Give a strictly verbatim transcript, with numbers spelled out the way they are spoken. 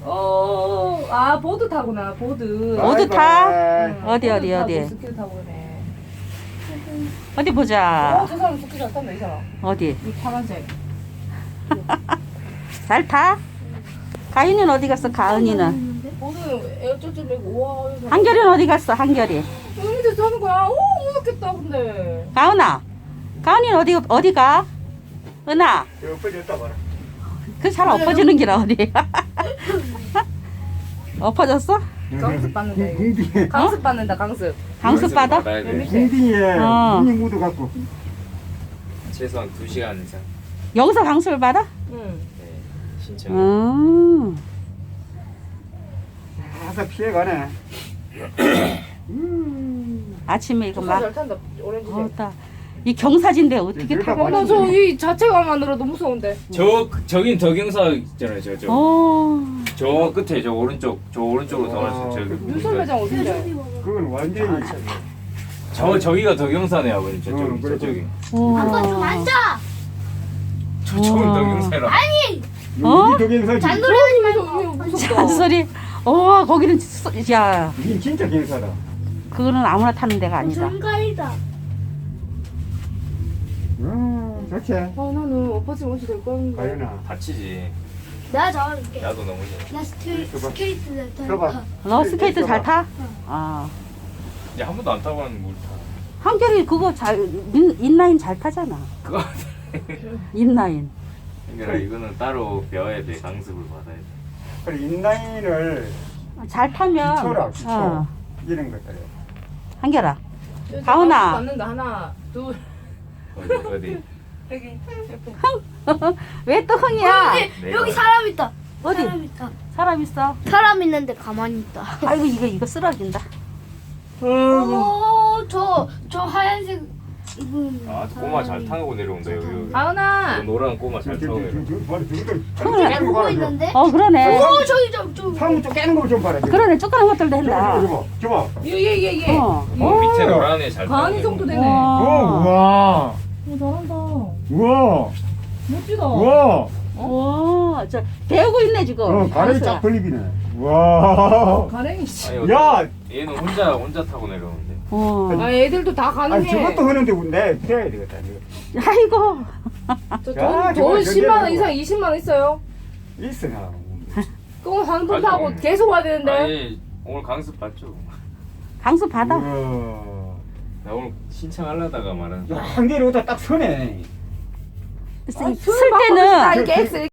어, 아 보드 타구나 보드. 보드 타? 응, 어디, 보드 어디, 타고 어디? 스킬 타고 그러네. 어디 어, 보자. 저 사람 스킬 잘 탄다 이 사람. 어디? 이 파란색. 잘 타? 가인이는 어디 갔어? 가은이는? 보드 에어쩌쩌 메고 우와. 이거. 한결이는 어디 갔어? 한결이. 여기 밑에서 하는 거야. 오 무섭겠다 근데. 가은아. 가은이는 어디 어디 가? 은아. 이거 엎어졌다 봐라. 그 잘 엎어지는 기라 어디? 엎어졌어? 강습 받는다 이거. 궁디에 강습 받는다 강습. 강습 받아? 받아야 돼. 궁디에 어. 눈이 묻어 갖고 최소한 두 시간 이상. 여기서 강습을 받아? 응. 네, 신청. 음. 가서 피해가네. 아침에 이거 막. 잘 탄다 오렌지색. 어따. 이 경사진데 어떻게 여기가 타고? 많이 어머 저이 자체가만 들어도 무서운데. 저 저긴 덕영사 있잖아요. 저 저. 어. 저 끝에 저 오른쪽 저 오른쪽으로 더 어. 가서 저기. 윤설 매장 어딘데? 그건 완전히 저 저기가 덕영사네 아버님 어, 저쪽이 그래, 저쪽이. 한번 좀 앉아. 저쪽은 우와. 덕영사라. 어? 여기 동영상이 잔소리 하지 이거 말고. 무섭다. 잔소리. 어, 거기는 소- 야, 이게 진짜 경사다. 그거는 아무나 타는 데가 아니다. 전가이다. 음, 좋지. 아 나는 엎어지면 어찌 될 건데. 가연아. 다치지. 내가 잡아줄게. 나도 너무 싫어. 나 스케이, 스케이트 들어봐. 탈 너 스케이트 잘 타? 아. 이제 한 번도 안 타고 가는 물 타. 한결이 그거 잘 인, 인라인 잘 타잖아. 그거. 인라인. 그러니까 이거는 따로 배워야 돼. 강습을 받아야 돼. 그래 인라인을 잘 타면 기초라 기초 어. 이런 것들. 한결아. 저 가은아. 강습 받는다 하나 둘. 어디 어디. 여기 옆에. 왜 또 흥이야? 내가- 여기 사람 있다. 어디? 사람 있다. 사람 있어. 사람 있는데 가만히 있다. 아이고 이거 이거 쓰러진다. 어, 저, 저 하얀색 입은. 아 꼬마 잘 타고 내려온다 여기. 여기. 가은아. 저 노란 꼬마 잘 타고 내려온다. 잘 보고 있는데. 어 그러네. 오, 저기 저, 저. 상무 쪽 깨는 거 좀 봐라. 저거. 그러네 조그만 것들도 저거 한다. 저거 저거. 예예예 예. 어. 어, 밑에 노란 애잘 타고 가은이 정도 내려온다. 되네. 오 와. 우와 어, 잘한다. 우와 멋지다. 우와. 와, 저 배우고 있네 지금. 어 가래 강수야. 쫙 벌리기네. 우와. 가랭이씨. 아니, 야. 얘는 혼자 혼자 타고 내려오는데. 어. 아 애들도 다 아니 가능해. 저것도 하는데 내 해야 되겠다. 이거. 아이고. 야, 저돈 저거 돈 십만 원 연결하고. 이상 이십만 원 있어요. 있어 나. 그거 한번 아니, 타고 계속 와야 되는데. 아니 오늘 강습 받죠. 강수 받아. 우와. 나 오늘 신청하려다가 말하는. 야, 한 개를 어디다 딱 서네. 쓸, 아, 쓸 때는 이게 X